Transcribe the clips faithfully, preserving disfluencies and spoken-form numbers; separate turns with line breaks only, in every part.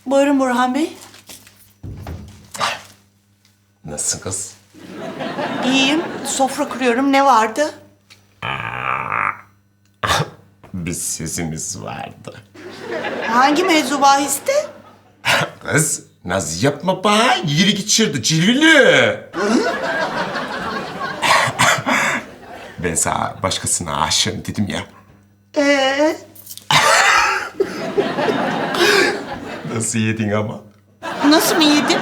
Buyurun Burhan Bey.
Nasılsın kız?
İyiyim. Sofra kuruyorum. Ne vardı?
Bir sesimiz vardı.
Hangi mevzu bahiste?
Kız, naz yapma bana. Yürü git şurada cilvili. Ben sana başkasına aşığım dedim ya.
Ee,
Nasıl yedin ama?
nasıl mı yedim?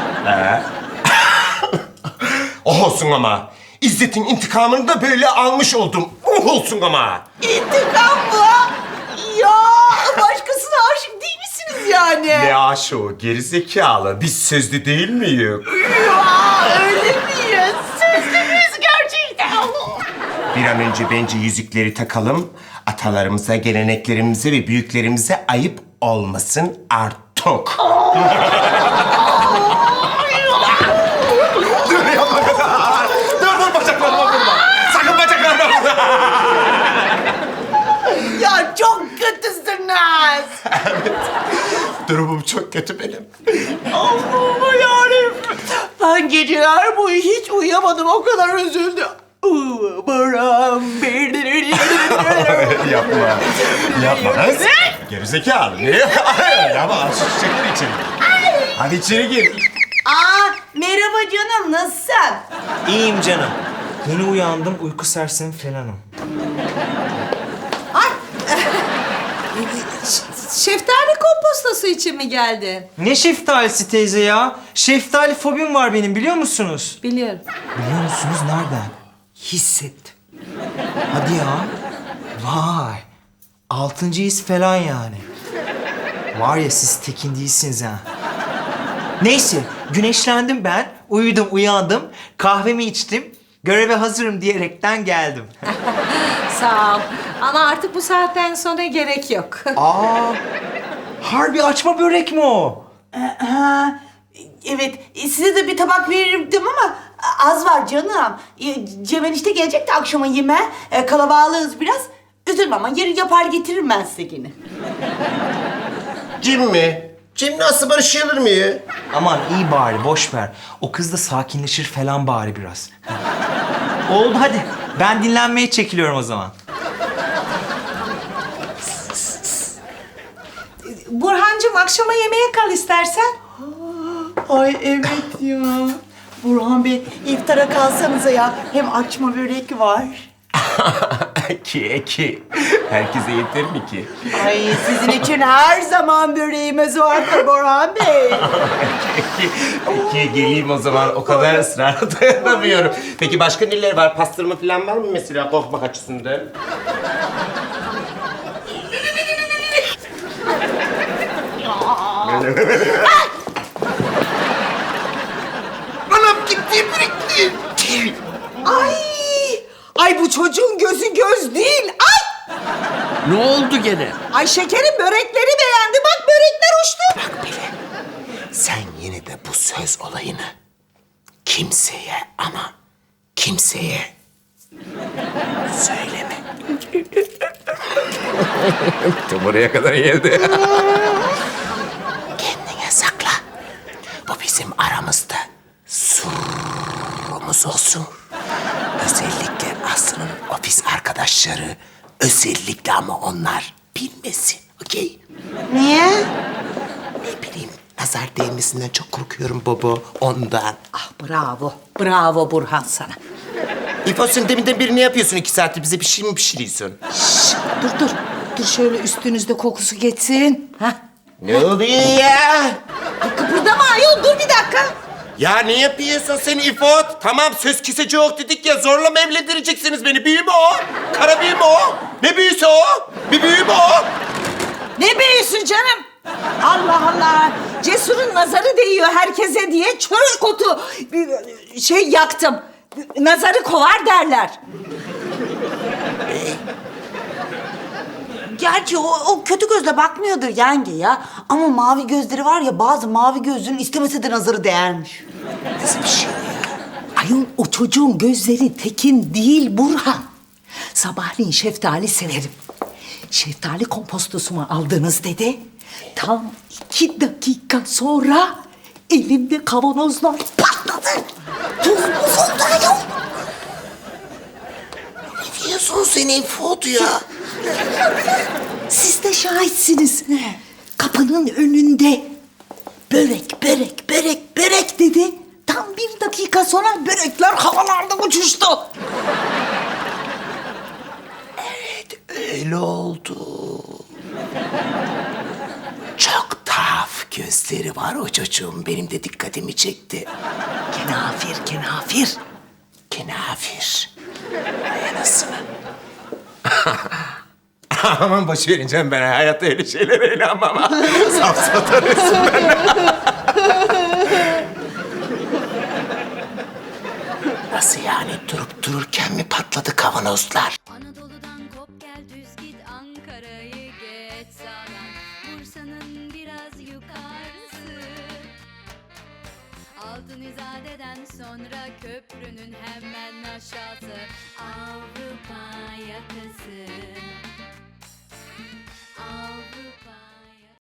Oh olsun ama. İzzet'in intikamını da böyle almış oldum. Oh olsun ama.
İntikam mı? Ya başkasına aşık değil misiniz yani?
Ne aşığı gerizekalı. Biz sözlü değil miyiz?
Ya öyle miyiz? Sözlü müyüz gerçekten?
Bir an önce bence yüzükleri takalım. Atalarımıza, geleneklerimize ve büyüklerimize ayıp olmasın artık. Dur yapma kızım. Dur dur bacaklarıma vurma. Sakın bacaklarıma vurma.
Ya çok kötüsünüz.
Durumum çok kötü benim.
Allah'ım yarabbim. Ben geceler boyu hiç uyuyamadım. O kadar üzüldüm. Umarım.
Yapma. Yapma kız. Gerizekalı. Ne? Yapma. Aç şu çiçekleri içeri. Hadi içeri gir.
Aa, merhaba canım. Nasılsın?
İyiyim canım. Yeni uyandım, uyku sersemi falanım.
Ay! Şeftali kompostası için mi geldin?
Ne şeftalisi teyze ya? Şeftali fobim var benim, biliyor musunuz?
Biliyorum.
Biliyor musunuz nereden? Hissettim. Hadi ya. Vay. Altıncı his falan yani. Var ya siz tekin değilsiniz ha. Neyse, güneşlendim ben. Uyudum, uyandım. Kahvemi içtim. Göreve hazırım diyerekten geldim.
Sağ ol. Ama artık bu saatten sonra gerek yok.
Aa, harbi açma börek mi o?
Ha, evet. Size de bir tabak verirdim ama az var canım. Cem enişte gelecek de akşama yeme. E, Kalabalığız biraz. Üzülme ama yarın yapar getiririm ben size yine.
Cim mi? Cim nasıl barışılır mı ya?
Aman iyi bari, boş ver. O kız da sakinleşir falan bari biraz. Oldu hadi. Ben dinlenmeye çekiliyorum o zaman.
Burhancığım akşama yemeğe kal istersen.
Ay evet ya. Burhan Bey iftara kalsanıza ya. Hem açma börek var.
ki ki. Herkese yeter mi ki?
Ay sizin için her zaman böreğimiz vardır Burhan Bey.
Peki geleyim o zaman. O kadar ısrara dayanamıyorum. Peki başka neler var? Pastırma falan var mı mesela korkmak açısından? Anam gitti birikti.
Ay! Ay bu çocuğun gözü göz değil. Ay!
Ne oldu gene?
Ay şekerin börekleri beğendi. Bak börekler uçtu.
Sen yine de bu söz olayını kimseye ama kimseye söyleme. Tam oraya kadar geldi. Kendine sakla. Bu bizim aramızda sırrımız olsun. Özellikle Aslı'nın ofis arkadaşları, özellikle ama onlar bilmesin, okey?
Niye?
Ne bileyim, nazar değmesinden çok korkuyorum baba, ondan.
Ah bravo. Bravo Burhan sana.
İfo sen deminden beri ne yapıyorsun iki saattir? Bize bir şey mi pişiriyorsun?
Dur dur. Dur şöyle üstünüzde kokusu geçsin. Hah.
Ne oluyor ya?
Kıpırdama ayol dur bir dakika.
Ya ne yapıyorsun sen İfot? Tamam söz keseci yok dedik ya, zorla mı evlendireceksiniz beni? Büyü mü o? Kara büyü mü o? Ne büyüsü o? Bir büyü mü o?
Ne büyüsün canım? Allah Allah. Cesur'un nazarı değiyor herkese diye çörek otu şey yaktım. Nazarı kovar derler.
Gerçi o, o kötü gözle bakmıyordur yenge ya. Ama mavi gözleri var ya, bazı mavi gözlünün istemese de nazarı değermiş.
Nasıl bir şey o ya?
Ayol o çocuğun gözleri tekin değil Burhan. Sabahleyin şeftali severim. Şeftali kompostosumu aldınız dedi. Tam iki dakika dakika sonra elimde kavanozlar patladı. Tuz buz oldu ayol.
Ne diyorsun sen İfot ya?
Siz de şahitsiniz. Kapının önünde börek, börek, börek, börek dedi. Tam bir dakika sonra börekler havalarda uçuştu.
Öyle oldu. Çok tuhaf gözleri var o çocuğun. Benim de dikkatimi çekti.
Kenafir, kenafir.
Kenafir. Ay anasını. Aman boş verin canım, ben hayatta öyle şeylere inanmam. ha. Safsatarısın ben. Nasıl yani, durup dururken mi patladı kavanozlar?
Anadolu'dan kop gel düz git Ankara'yı geç sağdan Bursa'nın biraz yukarısı Altın İzade'den sonra köprünün hemen aşağısı Avrupa yakası